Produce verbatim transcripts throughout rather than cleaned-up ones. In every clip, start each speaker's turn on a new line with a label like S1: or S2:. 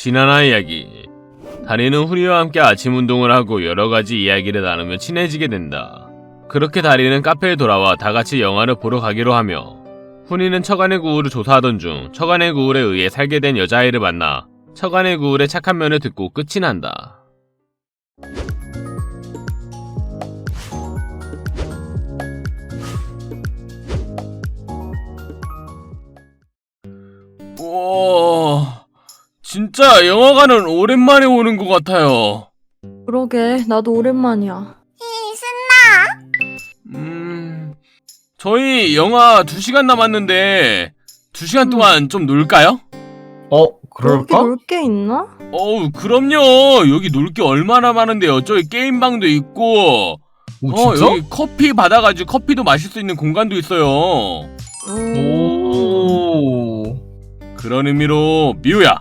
S1: 지나나 이야기. 다리는 후리와 함께 아침 운동을 하고 여러가지 이야기를 나누며 친해지게 된다. 그렇게 다리는 카페에 돌아와 다같이 영화를 보러 가기로 하며, 후리는 처간의 구울을 조사하던 중 처간의 구울에 의해 살게 된 여자아이를 만나 처간의 구울의 착한 면을 듣고 끝이 난다. 우와, 진짜 영화관은 오랜만에 오는 것 같아요.
S2: 그러게, 나도 오랜만이야.
S3: 히, 신나!
S1: 음... 저희 영화 두 시간 남았는데 두 시간 동안 좀 놀까요?
S4: 어,
S2: 여기
S4: 그럴까?
S2: 놀 게 있나?
S1: 어우, 그럼요. 여기 놀 게 얼마나 많은데요. 저기 게임방도 있고,
S4: 오,
S1: 어,
S4: 진짜?
S1: 여기 커피 받아가지고 커피도 마실 수 있는 공간도 있어요.
S2: 음...
S4: 오.
S1: 그런 의미로 미우야.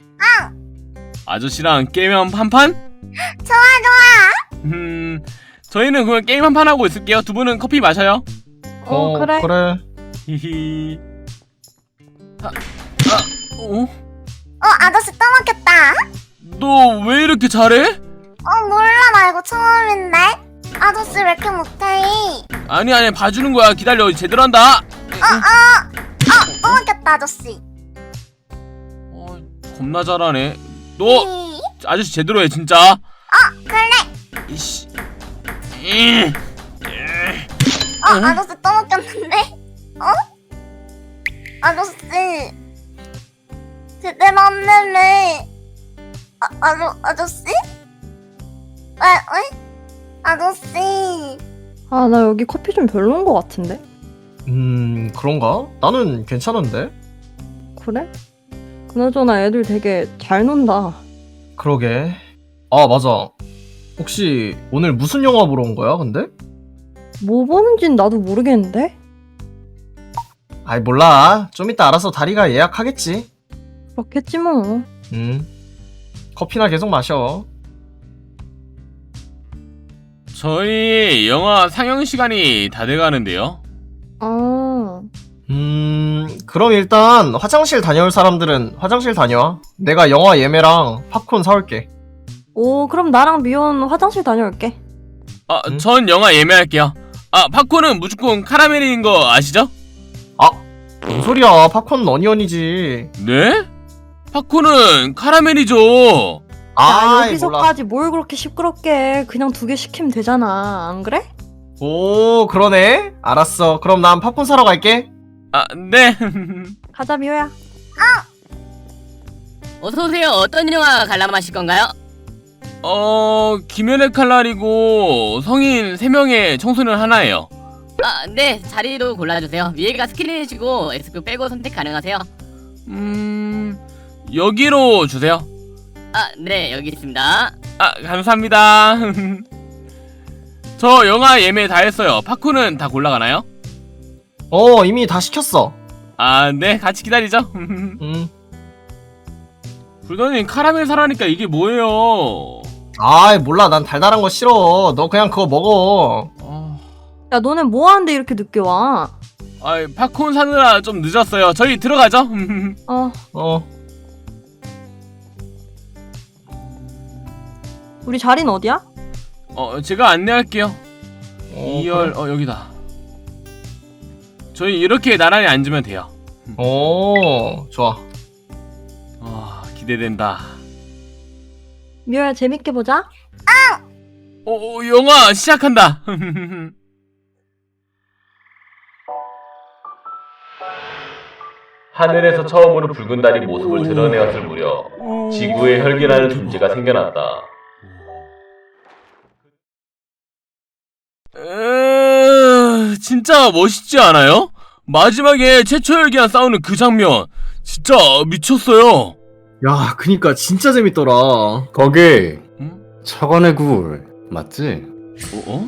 S1: 아저씨랑 게임 한 판?
S3: 좋아, 좋아!
S1: 음, 저희는 그냥 게임 한 판 하고 있을게요. 두 분은 커피 마셔요.
S2: 어, 그래.
S4: 그래.
S1: 히히. 아, 아, 어?
S3: 어, 아저씨 떠먹겠다.
S1: 너 왜 이렇게 잘해?
S3: 어, 몰라, 나 이거 처음인데? 아저씨 왜 이렇게 못해?
S1: 아니 아니 봐주는 거야. 기다려. 제대로 한다.
S3: 어, 어! 어, 떠먹겠다, 아저씨.
S1: 어, 겁나 잘하네. 너
S3: 히.
S1: 아저씨 제대로 해 진짜.
S3: 어, 그래.
S1: 이씨. 이.
S3: 어,
S1: 응?
S3: 아저씨 떠먹겠는데? 어? 아저씨. 제대로 안 내네. 아, 아저, 아저씨? 왜, 왜? 아저씨.
S2: 아, 나 여기 커피 좀 별로인 것 같은데?
S4: 음, 그런가? 나는 괜찮은데?
S2: 그래? 그나저나 애들 되게 잘 논다.
S4: 그러게. 아, 맞아. 혹시 오늘 무슨 영화 보러 온 거야, 근데?
S2: 뭐 보는진 나도 모르겠는데?
S4: 아이, 몰라. 좀 이따 알아서 다리가 예약하겠지.
S2: 그렇겠지 뭐.
S4: 음. 커피나 계속 마셔.
S1: 저희 영화 상영 시간이 다 돼가는데요.
S2: 아,
S4: 음, 그럼 일단 화장실 다녀올 사람들은 화장실 다녀와. 내가 영화 예매랑 팝콘 사올게.
S2: 오, 그럼 나랑 미연 화장실 다녀올게.
S1: 아,
S4: 응?
S1: 전 영화 예매할게요. 아, 팝콘은 무조건 카라멜인 거 아시죠?
S4: 아, 뭔 소리야. 팝콘은 어니언이지.
S1: 네? 팝콘은 카라멜이죠.
S4: 아,
S2: 야,
S4: 몰라.
S2: 여기서까지 뭘 그렇게 시끄럽게 해. 그냥 두 개 시키면 되잖아. 안 그래?
S4: 오, 그러네. 알았어. 그럼 난 팝콘 사러 갈게.
S1: 아, 네.
S2: 가자, 미호야.
S5: 어서오세요. 어떤 영화 관람하실 건가요?
S1: 어, 김연의 칼날이고 성인 세 명의 청소년 하나예요.
S5: 아, 네. 자리로 골라주세요. 위에가 스크린이시고 X표 빼고 선택 가능하세요.
S1: 음, 여기로 주세요.
S5: 아, 네. 여기 있습니다.
S1: 아, 감사합니다. 저 영화 예매 다 했어요. 팝콘은 다 골라가나요?
S4: 어, 이미 다 시켰어.
S1: 아, 네. 같이 기다리죠.
S4: 음.
S1: 불더님 카라멜 사라니까 이게 뭐예요?
S4: 아이, 몰라. 난 달달한 거 싫어. 너 그냥 그거 먹어.
S1: 어,
S2: 야, 너네 뭐 하는데 이렇게 늦게 와?
S1: 아, 팝콘 사느라 좀 늦었어요. 저희 들어가죠.
S2: 어,
S4: 어.
S2: 우리 자리는 어디야?
S1: 어, 제가 안내할게요.
S4: 어,
S1: 이열,
S4: 그래.
S1: 어, 여기다. 저희 이렇게 나란히 앉으면 돼요.
S4: 오, 좋아.
S1: 아, 기대된다.
S2: 미호야, 재밌게 보자.
S1: 어, 어, 영화 시작한다. 하늘에서 처음으로 붉은 달이 모습을 드러내었을 무렵 지구에 혈기라는 존재가 생겨났다. 에... 진짜 멋있지 않아요? 마지막에 최초 혈기랑 싸우는 그 장면 진짜 미쳤어요.
S4: 야, 그니까 진짜 재밌더라.
S6: 거기
S1: 응?
S6: 처간의 굴 맞지?
S1: 어? 어?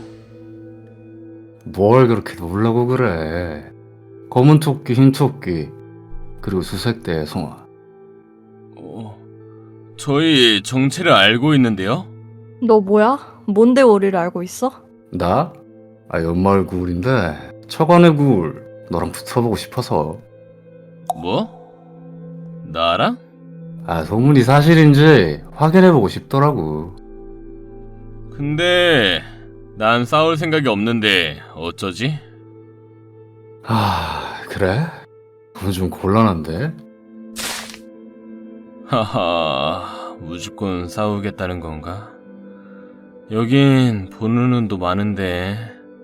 S6: 뭘 그렇게 놀라고 그래? 검은 토끼, 흰 토끼, 그리고 수색대의 송아.
S1: 어... 저희 정체를 알고 있는데요?
S2: 너 뭐야? 뭔데 우리를 알고 있어?
S6: 나? 아, 연마을 굴인데 처간의 굴 너랑 붙어보고 싶어서.
S1: 뭐? 나랑?
S6: 아, 소문이 사실인지 확인해보고 싶더라고.
S1: 근데 난 싸울 생각이 없는데 어쩌지?
S6: 아, 그래? 그건 좀 곤란한데?
S1: 하하, 무조건 싸우겠다는 건가? 여긴 보는 눈도 많은데.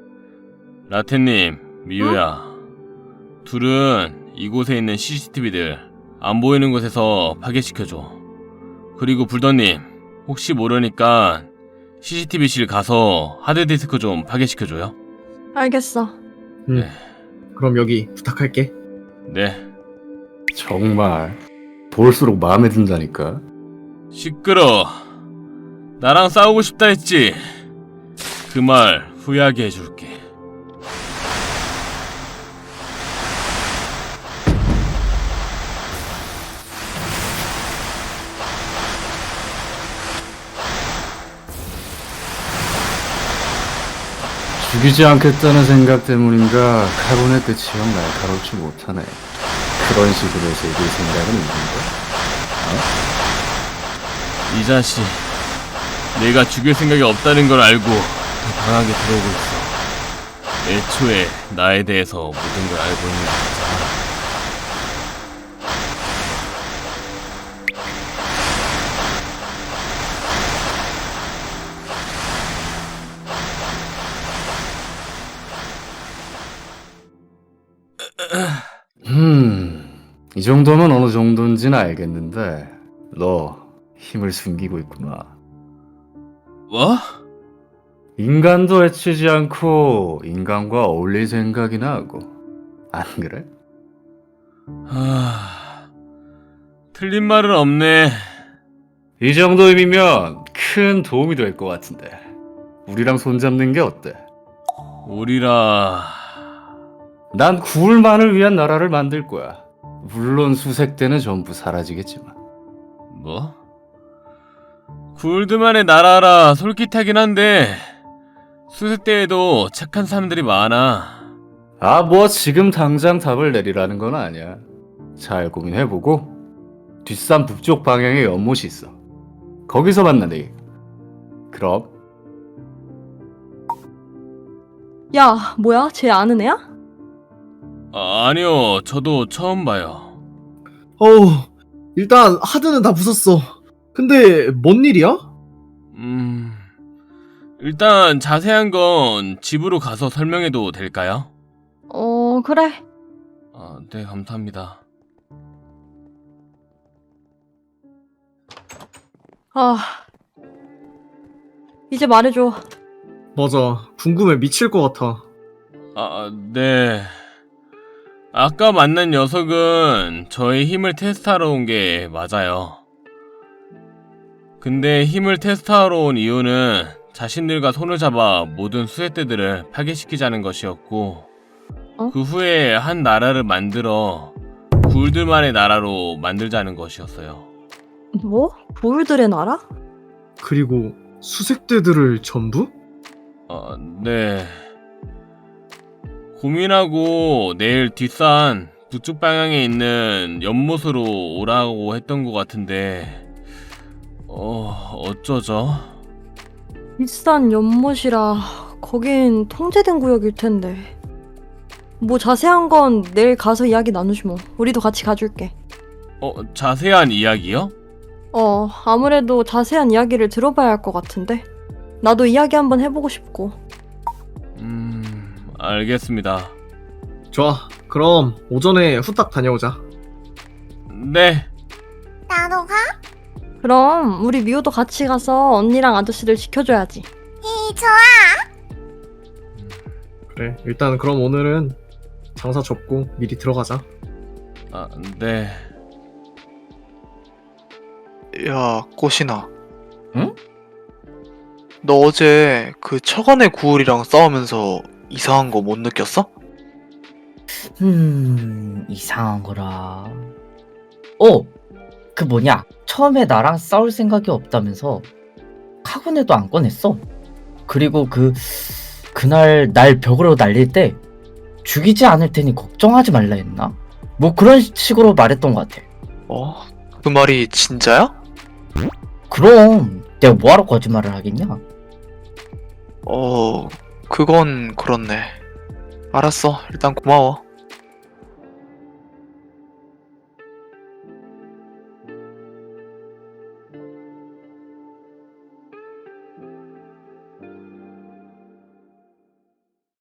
S1: 라테님, 미유야. 둘은 이곳에 있는 씨씨티비들 안 보이는 곳에서 파괴시켜줘. 그리고 불더님, 혹시 모르니까 씨씨티비실 가서 하드디스크 좀 파괴시켜줘요.
S2: 알겠어.
S4: 음.
S1: 네.
S4: 그럼 여기 부탁할게.
S1: 네.
S6: 정말 볼수록 마음에 든다니까.
S1: 시끄러. 나랑 싸우고 싶다 했지. 그 말 후회하게 해줄게.
S6: 죽이지 않겠다는 생각 때문인가 카본의 끝이 형 날카롭지 못하네. 그런 식으로 즐길 생각은 있는데.
S1: 이 자식, 내가 죽일 생각이 없다는 걸 알고 더 강하게 들어오고 있어. 애초에 나에 대해서 모든 걸 알고 있는 거잖아.
S6: 음, 이 정도면 어느 정도인지는 알겠는데 너 힘을 숨기고 있구나.
S1: 뭐?
S6: 인간도 해치지 않고 인간과 어울릴 생각이나 하고, 안 그래?
S1: 하... 틀린 말은 없네.
S6: 이 정도 힘이면 큰 도움이 될 것 같은데 우리랑 손잡는 게 어때?
S1: 우리라...
S6: 난 구울만을 위한 나라를 만들 거야. 물론 수색대는 전부 사라지겠지만.
S1: 뭐? 굴드만의 나라라 솔깃하긴 한데 수색대에도 착한 사람들이 많아.
S6: 아, 뭐 지금 당장 답을 내리라는 건 아니야. 잘 고민해보고 뒷산 북쪽 방향에 연못이 있어. 거기서 만나네. 그럼
S2: 야, 뭐야? 쟤 아는 애야?
S1: 아, 아니요, 저도 처음 봐요.
S4: 어우, 일단 하드는 다 부쉈어. 근데 뭔 일이야?
S1: 음... 일단 자세한 건 집으로 가서 설명해도 될까요?
S2: 어, 그래.
S1: 아, 네, 감사합니다.
S2: 아, 이제 말해줘.
S4: 맞아, 궁금해 미칠 것 같아.
S1: 아, 네. 아까 만난 녀석은 저의 힘을 테스트하러 온 게 맞아요. 근데 힘을 테스트하러 온 이유는 자신들과 손을 잡아 모든 수색대들을 파괴시키자는 것이었고,
S2: 어?
S1: 그 후에 한 나라를 만들어 굴들만의 나라로 만들자는 것이었어요.
S2: 뭐? 보울들의 나라?
S4: 그리고 수색대들을 전부?
S1: 어, 네. 고민하고 내일 뒷산 북쪽 방향에 있는 연못으로 오라고 했던 것 같은데, 어, 어쩌죠?
S2: 비싼 연못이라 거긴 통제된 구역일 텐데. 뭐 자세한 건 내일 가서 이야기 나누지 뭐. 우리도 같이 가줄게.
S1: 어, 자세한 이야기요?
S2: 어, 아무래도 자세한 이야기를 들어봐야 할 것 같은데. 나도 이야기 한번 해보고 싶고.
S1: 음, 알겠습니다.
S4: 좋아, 그럼 오전에 후딱 다녀오자.
S1: 네.
S3: 나도 가?
S2: 그럼 우리 미호도 같이 가서 언니랑 아저씨들 지켜줘야지.
S3: 이 좋아.
S4: 그래, 일단 그럼 오늘은 장사 접고 미리 들어가자.
S1: 아, 네.
S7: 야, 꽃이나.
S8: 응?
S7: 너 어제 그 처간의 구울이랑 싸우면서 이상한 거 못 느꼈어?
S8: 음, 이상한 거라. 어, 그 뭐냐. 처음에 나랑 싸울 생각이 없다면서 카군에도 안 꺼냈어. 그리고 그, 그날 날 벽으로 날릴 때 죽이지 않을 테니 걱정하지 말라 했나? 뭐 그런 식으로 말했던 것 같아.
S7: 어? 그 말이 진짜야?
S8: 그럼 내가 뭐하러 거짓말을 하겠냐?
S7: 어, 그건 그렇네. 알았어. 일단 고마워.